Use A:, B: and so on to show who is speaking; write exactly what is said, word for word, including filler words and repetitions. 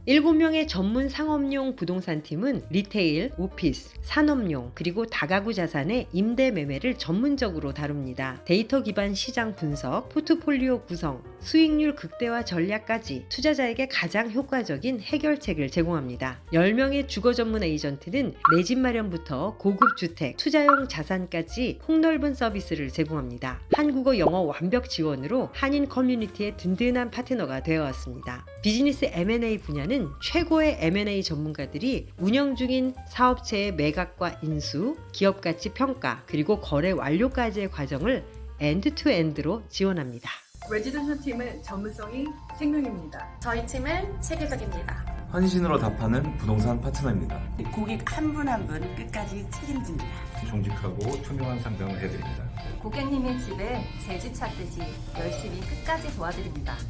A: 일곱 명의 전문 상업용 부동산 팀은 리테일, 오피스, 산업용, 그리고 다가구 자산의 임대 매매를 전문적으로 다룹니다. 데이터 기반 시장 분석, 포트폴리오 구성, 수익률 극대화 전략까지 투자자에게 가장 효과적인 해결책을 제공합니다. 열 명의 주거 전문 에이전트는 내 집 마련부터 고급 주택, 투자용 자산까지 폭넓은 서비스를 제공합니다. 한국어 영어 완벽 지원으로 한인 커뮤니티의 든든한 파트너가 되어왔습니다. 비즈니스 엠 앤 에이 분야는 최고의 엠 앤 에이 전문가들이 운영 중인 사업체의 매각과 인수, 기업 가치 평가, 그리고 거래 완료까지의 과정을 엔드투엔드로 지원합니다.
B: 레지던셜 팀은 전문성이 생명입니다.
C: 저희 팀은 체계적입니다.
D: 헌신으로 답하는 부동산 파트너입니다.
E: 고객 한 분 한 분 끝까지 책임집니다.
F: 정직하고 투명한 상담을 해드립니다.
C: 고객님의 집에 제 집 찾듯이 열심히 끝까지 도와드립니다.